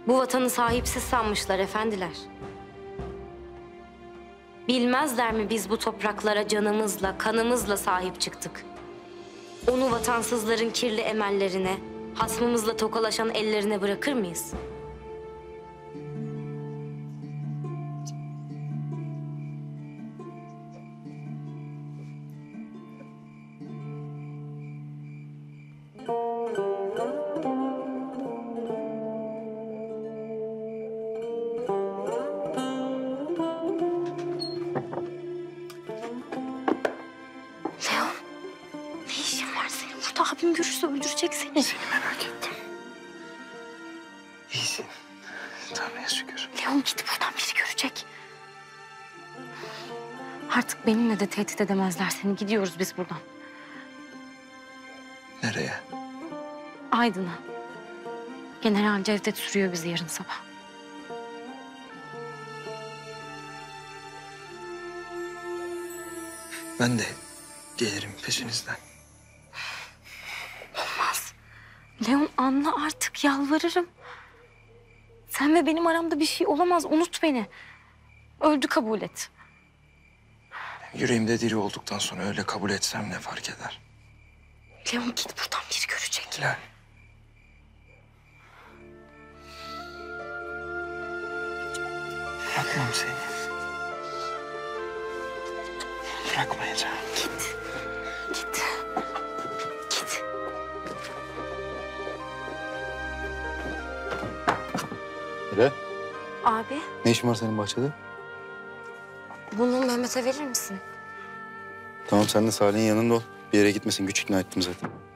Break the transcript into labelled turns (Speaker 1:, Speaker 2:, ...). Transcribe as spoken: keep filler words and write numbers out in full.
Speaker 1: Bu vatanı sahipsiz sanmışlar efendiler. Bilmezler mi biz bu topraklara canımızla, kanımızla sahip çıktık? Onu vatansızların kirli emellerine, hasmımızla tokalaşan ellerine bırakır mıyız? Leon, ne işin var senin burada? Abim görürse öldürecek seni.
Speaker 2: Seni merak ettim. İyisin. Tanrı'ya şükür.
Speaker 1: Leon git buradan, biri görecek. Artık benimle de tehdit edemezler seni. Gidiyoruz biz buradan.
Speaker 2: Nereye?
Speaker 1: Aydın'a. General Cevdet sürüyor bizi yarın sabah.
Speaker 2: Ben de gelirim peşinizden.
Speaker 1: Olmaz. Leon anla artık, yalvarırım. Sen ve benim aramda bir şey olamaz. Unut beni. Öldü kabul et.
Speaker 2: Yüreğimde diri olduktan sonra öyle kabul etsem ne fark eder?
Speaker 1: Leon git buradan, biri görecek.
Speaker 2: Hilal. Bırakmam seni. Bırakmayacağım.
Speaker 1: Git. Git. Git.
Speaker 3: Hilal,
Speaker 1: Abi,
Speaker 3: ne işin var senin bahçede?
Speaker 1: bunu Mehmet'e verir misin?
Speaker 3: Tamam, sen de Salih'in yanında ol. Bir yere gitmesin, güç ikna ettim zaten.